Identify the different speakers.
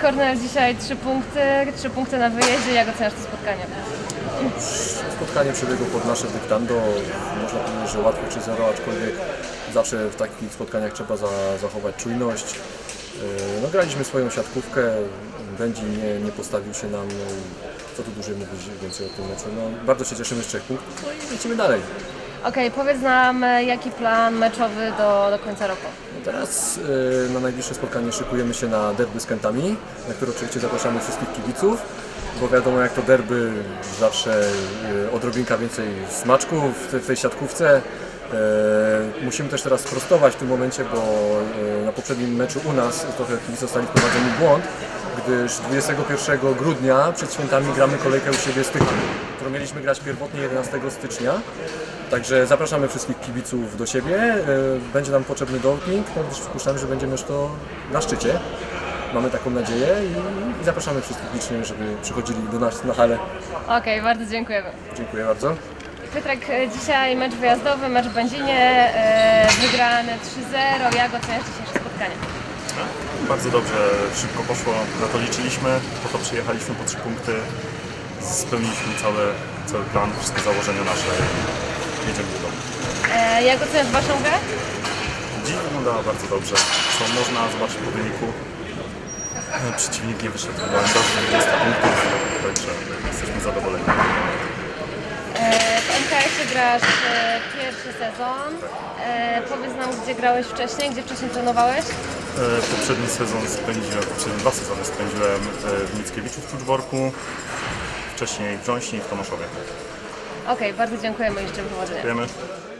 Speaker 1: Kornel, dzisiaj 3 punkty na wyjeździe. Jak oceniasz to spotkanie?
Speaker 2: Spotkanie przebiegło pod nasze dyktando. Można powiedzieć, że łatwo czy zero, aczkolwiek zawsze w takich spotkaniach trzeba zachować czujność. No, graliśmy swoją siatkówkę, Będzin nie postawił się nam, co tu dłużej mówić więcej o tym meczu. No, bardzo się cieszymy z 3 punktów, no i lecimy dalej.
Speaker 1: Okej, powiedz nam, jaki plan meczowy do końca roku?
Speaker 2: No teraz na najbliższe spotkanie szykujemy się na derby z Kętami, na które oczywiście zapraszamy wszystkich kibiców, bo wiadomo, jak to derby, zawsze odrobinka więcej smaczku w tej siatkówce. Musimy też teraz sprostować w tym momencie, bo na poprzednim meczu u nas trochę kibice zostali wprowadzeni w błąd, gdyż 21 grudnia przed świętami gramy kolejkę u siebie z Tychem, którą mieliśmy grać pierwotnie 11 stycznia. Także zapraszamy wszystkich kibiców do siebie. Będzie nam potrzebny doping, no gdyż przypuszczamy, że będziemy już to na szczycie. Mamy taką nadzieję i zapraszamy wszystkich licznie, żeby przychodzili do nas na halę.
Speaker 1: Okej, bardzo dziękujemy.
Speaker 2: Dziękuję bardzo.
Speaker 1: Piotrek, dzisiaj mecz wyjazdowy, mecz w Będzinie, wygrany 3-0. Jak oceniasz dzisiejsze spotkanie?
Speaker 3: Bardzo dobrze, szybko poszło, na to liczyliśmy, po to przyjechaliśmy po 3 punkty, spełniliśmy cały plan, wszystkie założenia nasze i jedziemy do domu.
Speaker 1: Jak oceniasz waszą grę?
Speaker 3: Dziś wyglądała bardzo dobrze, co można zobaczyć po wyniku. Przeciwnik nie wyszedł chyba do 20 punktów, także jesteśmy zadowoleni.
Speaker 1: W MKS-ie grasz pierwszy sezon. Powiedz nam, gdzie grałeś wcześniej, gdzie wcześniej trenowałeś?
Speaker 3: Poprzednie 2 sezony spędziłem w Mickiewiczu w Kluczborku, wcześniej w Brząśni i w Tomaszowie.
Speaker 1: Okej, bardzo dziękujemy i życzę powodzenia.
Speaker 3: Dziękujemy.